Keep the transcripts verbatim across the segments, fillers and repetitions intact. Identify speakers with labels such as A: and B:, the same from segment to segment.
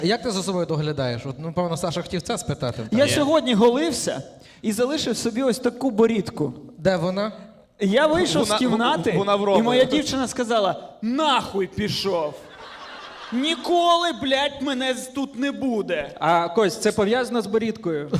A: Як ти за собою доглядаєш? От, ну, певно, Саша хотів це спитати.
B: Я сьогодні голився і залишив собі ось таку борідку.
A: Де вона?
B: Я вийшов
C: Вона-
B: з кімнати,
C: вона в Роми.
B: і моя дівчина сказала: нахуй пішов. Ніколи, блядь, мене з- тут не буде.
D: А, Кость, це пов'язано з борідкою.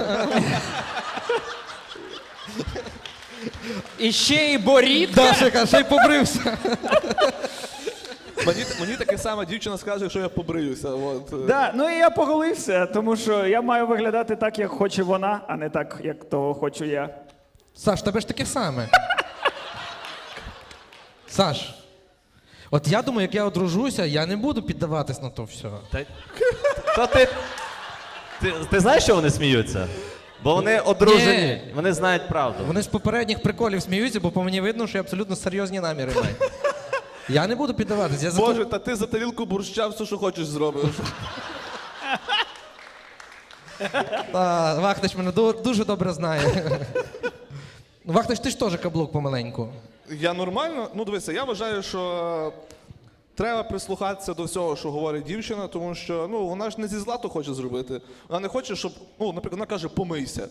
B: І ще й борідка.
A: Дашика, ще й побрився.
C: Мені, мені таке саме дівчина скаже, якщо я побриюся. От.
B: Да, ну і я поголився, тому що я маю виглядати так, як хоче вона, а не так, як того хочу я.
A: Саш, тебе ж таке саме. Саш, от я думаю, як я одружуся, я не буду піддаватись на то все.
E: Та, та ти, ти, ти знаєш, що вони сміються? Бо вони одружені,
A: Ні.
E: вони знають правду.
A: Вони з попередніх приколів сміються, бо по мені видно, що я абсолютно серйозні наміри маю. Я не буду піддаватись. Я за
C: Боже, та ти за тарілку борща все, що хочеш, зробиш.
A: Та, Вахтич мене ду- дуже добре знає. Ну, Вахтич, ти ж теж каблук помаленьку.
C: Я нормально, ну дивися, я вважаю, що треба прислухатися до всього, що говорить дівчина, тому що ну, вона ж не зі зла то хоче зробити. Вона не хоче, щоб, ну, наприклад, вона каже, помийся.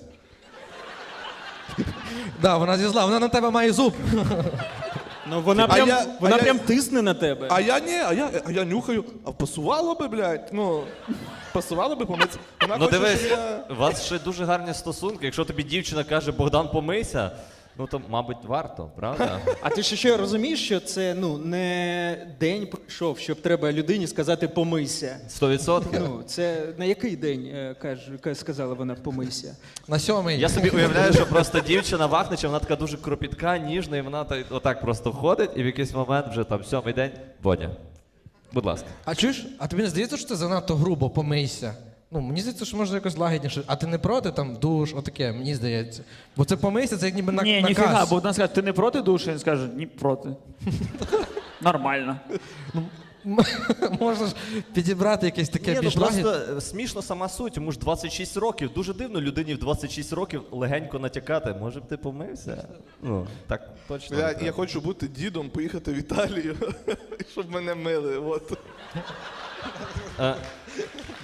A: Да, вона зі зла, вона на тебе має зуб.
D: Ну вона
C: А
D: прям,
C: я-
D: вона
C: а я-
D: прям тисне на тебе.
C: А я ні, а я, а я нюхаю. А пасувало би, блядь, ну, пасувало би помитися. Вона
E: Ну
C: хоче,
E: дивись,
C: щоб я...
E: у вас ще дуже гарні стосунки. Якщо тобі дівчина каже, Богдан, помийся, ну то, мабуть, варто, правда?
D: А ти ж ще розумієш, що це ну не день пройшов, щоб треба людині сказати помийся.
E: Сто відсотків.
D: Ну, це на який день е, каже, ка- сказала вона помийся?
A: На сьомий.
E: Я собі уявляю, що просто дівчина Вахнича, вона така дуже кропітка, ніжна, і вона так, отак просто входить, і в якийсь момент вже там сьомий день, Бодя, будь ласка.
A: А чуєш, а тобі не здається, що це занадто грубо, помийся? Ну, мені здається, що можна якось лагідніше. А ти не проти там душ, отаке, мені здається. Бо це помийся, це як ніби на,
B: Ні,
A: наказ.
B: ніфіга, бо вона скаже, ти не проти душу? Він скаже, ні, проти. Нормально.
A: Можна ж підібрати якесь таке
E: Ні, ну
A: більш лагідне.
E: просто е, смішно сама суть, йому ж двадцять шість років. Дуже дивно людині в двадцять шість років легенько натякати. Може б ти помився? Ну, так точно. не
C: Я,
E: треба.
C: я хочу бути дідом, поїхати в Італію, щоб мене мили. От.
E: Е,